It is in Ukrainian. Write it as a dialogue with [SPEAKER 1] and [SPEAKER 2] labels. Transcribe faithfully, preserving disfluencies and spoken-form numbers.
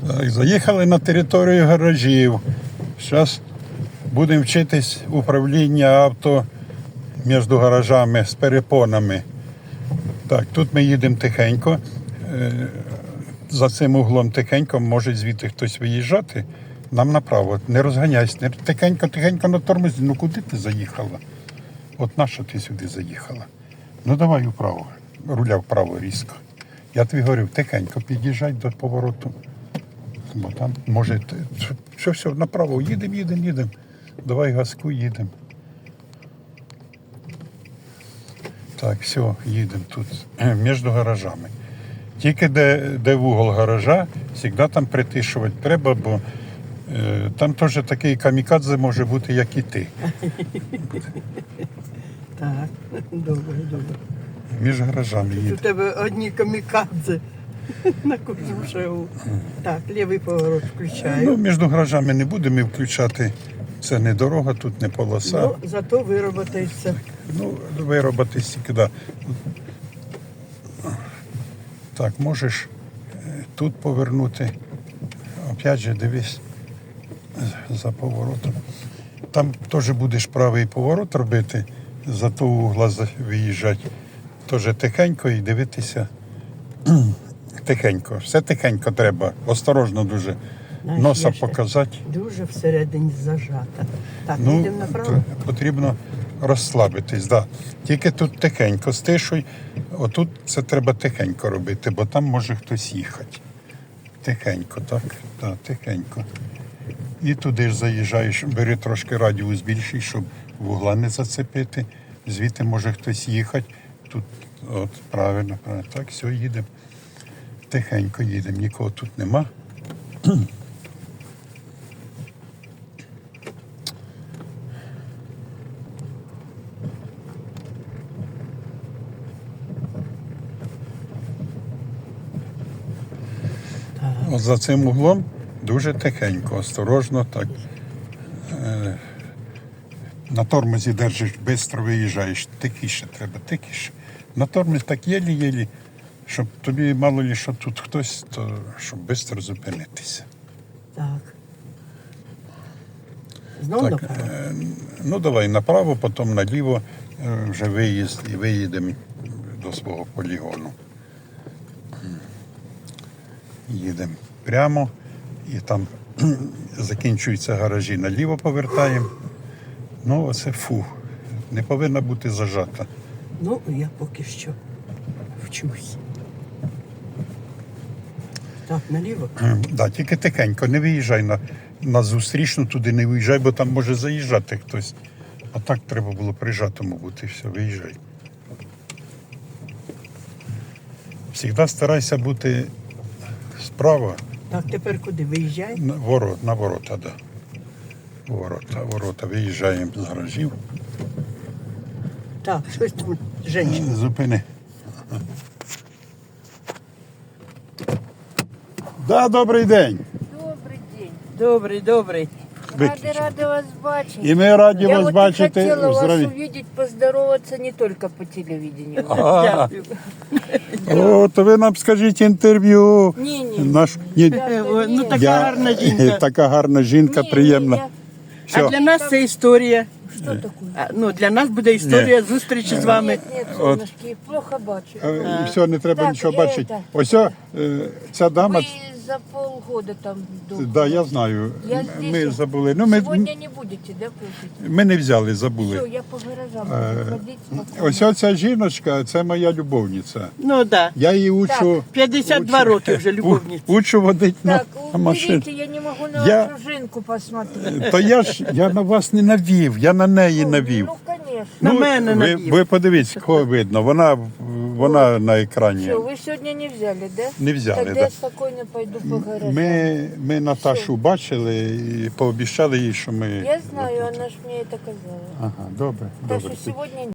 [SPEAKER 1] Так, заїхали на територію гаражів. Зараз будемо вчитись управління авто між гаражами з перепонами. Так, тут ми їдемо тихенько. За цим углом тихенько, може звідти хтось виїжджати. Нам направо. Не розганяйся. Не тихенько, тихенько на тормозі. Ну куди ти заїхала? От нащо ти сюди заїхала? Ну давай вправо. Руля вправо різко. Я тобі говорив, тихенько під'їжджай до повороту. Бо там може... Все, все, направо. Їдемо, їдемо, їдемо. Давай газку, їдемо. Так, все, їдемо тут. Між гаражами. Тільки де, де вугол гаража, завжди там притишувати треба, бо е, там теж такий камікадзе може бути, як і ти.
[SPEAKER 2] Так, добре, добре.
[SPEAKER 1] Між гаражами
[SPEAKER 2] У
[SPEAKER 1] їде.
[SPEAKER 2] тебе одні камікадзе на кожному шагу. Так, лівий поворот включаю.
[SPEAKER 1] Ну, між гаражами не будемо включати. Це не дорога, тут не полоса.
[SPEAKER 2] Ну, зато вироботаєшся.
[SPEAKER 1] Ну, виробити сюди. Так, можеш тут повернути. Опять же, дивись за поворотом. Там теж будеш правий поворот робити, за того угла виїжджати. Теж тихенько і дивитися. Тихенько. Все тихенько треба. Осторожно дуже.
[SPEAKER 2] Знаєш,
[SPEAKER 1] Носа
[SPEAKER 2] я ще
[SPEAKER 1] показати.
[SPEAKER 2] Дуже всередині зажата. Так,
[SPEAKER 1] Ну,
[SPEAKER 2] їдемо направо.
[SPEAKER 1] потрібно розслабитись, да. Тільки тут тихенько стишуй. Отут це треба тихенько робити, бо там може хтось їхати. Тихенько, так? Так, тихенько. І туди ж заїжджаєш, бери трошки радіус більший, щоб вугла не зацепити. Звідти може хтось їхати. Тут, от, правильно, правильно. Так, все, їдемо. Тихенько їдемо, нікого тут нема. От за цим углом дуже тихенько, осторожно, так. Е, на тормозі держиш, швидко виїжджаєш. Тихіше треба, тихіше. На тормозі так єлі-єлі, щоб тобі мало ли, що тут хтось, то щоб швидко зупинитися.
[SPEAKER 2] Так. Знову
[SPEAKER 1] Так,
[SPEAKER 2] направо?
[SPEAKER 1] е, ну давай направо, потім наліво, е, вже виїзд і виїдемо до свого полігону. Їдемо прямо і там закінчуються гаражі, наліво повертаємо. Ну, оце фу, не повинна бути зажата.
[SPEAKER 2] Ну, я поки що вчусь. Так, наліво?
[SPEAKER 1] Да, тільки тихенько, не виїжджай на, на зустрічну, туди не виїжджай, бо там може заїжджати хтось. А так треба було прижатому бути, все, виїжджай. Завжди старайся бути справа.
[SPEAKER 2] Так, тепер куди? Виїжджай?
[SPEAKER 1] На ворот, на ворота, да. Ворота, ворота. Виїжджаємо з гаражів.
[SPEAKER 2] Так, щось там, жінка.
[SPEAKER 1] Зупини. Да, добрий день.
[SPEAKER 3] Добрий день.
[SPEAKER 2] Добрий, добрий.
[SPEAKER 3] Рады, рады вас бачить.
[SPEAKER 1] І ми раді
[SPEAKER 3] Я
[SPEAKER 1] вас
[SPEAKER 3] вот
[SPEAKER 1] бачити.
[SPEAKER 3] хотела вас
[SPEAKER 1] Здраві.
[SPEAKER 3] увидеть, поздороваться не только по телевидению.
[SPEAKER 1] А,
[SPEAKER 2] Дякую.
[SPEAKER 1] о, то ви нам скажіть інтерв'ю.
[SPEAKER 3] Ні, ні.
[SPEAKER 1] Наш, ні,
[SPEAKER 2] Е, о, Ну, така
[SPEAKER 1] я-
[SPEAKER 2] гарна жінка.
[SPEAKER 1] Така гарна жінка,
[SPEAKER 3] Ні,
[SPEAKER 1] приємна.
[SPEAKER 3] ні,
[SPEAKER 1] Все.
[SPEAKER 2] А для нас це історія.
[SPEAKER 3] Що таке?
[SPEAKER 2] А, ну, для нас буде історія зустрічі з вами.
[SPEAKER 3] Нет, нет, солнышки, плохо бачу.
[SPEAKER 1] Е, Все, не треба
[SPEAKER 3] Так,
[SPEAKER 1] нічого
[SPEAKER 3] е,
[SPEAKER 1] бачити.
[SPEAKER 3] так.
[SPEAKER 1] Ось о, е, ця дама,
[SPEAKER 3] Вы за полгода там дома.
[SPEAKER 1] да, я знаю,
[SPEAKER 3] Я здесь.
[SPEAKER 1] ми забули. Ну, ми,
[SPEAKER 3] Сегодня не будете, да, кушать?
[SPEAKER 1] ми не взяли, забули.
[SPEAKER 3] Все, я по гаражам
[SPEAKER 1] Е,
[SPEAKER 3] буду ходить спокойно.
[SPEAKER 1] Ось оця жіночка, це моя любовниця.
[SPEAKER 2] Ну, так. Да.
[SPEAKER 1] Я її учу,
[SPEAKER 2] п'ятдесят два роки вже любовниця.
[SPEAKER 1] у- учу водити на,
[SPEAKER 3] Так,
[SPEAKER 1] на машині.
[SPEAKER 3] уберите, я не могу на
[SPEAKER 1] Я-
[SPEAKER 3] вашу жинку посмотреть.
[SPEAKER 1] То я ж я на вас не навів, я на неї навів.
[SPEAKER 3] Ну, конечно.
[SPEAKER 2] На мене
[SPEAKER 1] ви,
[SPEAKER 2] навів.
[SPEAKER 1] ви подивіться, кого видно. Вона, вона на екрані.
[SPEAKER 3] Все, вы сегодня не взяли, да?
[SPEAKER 1] Не взяли,
[SPEAKER 3] Тогда
[SPEAKER 1] да.
[SPEAKER 3] я спокойно пойду по гаражам.
[SPEAKER 1] Ми, ми Наташу бачили і пообіцяли їй, що ми.
[SPEAKER 3] Я знаю, она ж мне это казала.
[SPEAKER 1] Ага, добре,
[SPEAKER 3] Так
[SPEAKER 1] добре.
[SPEAKER 3] что сегодня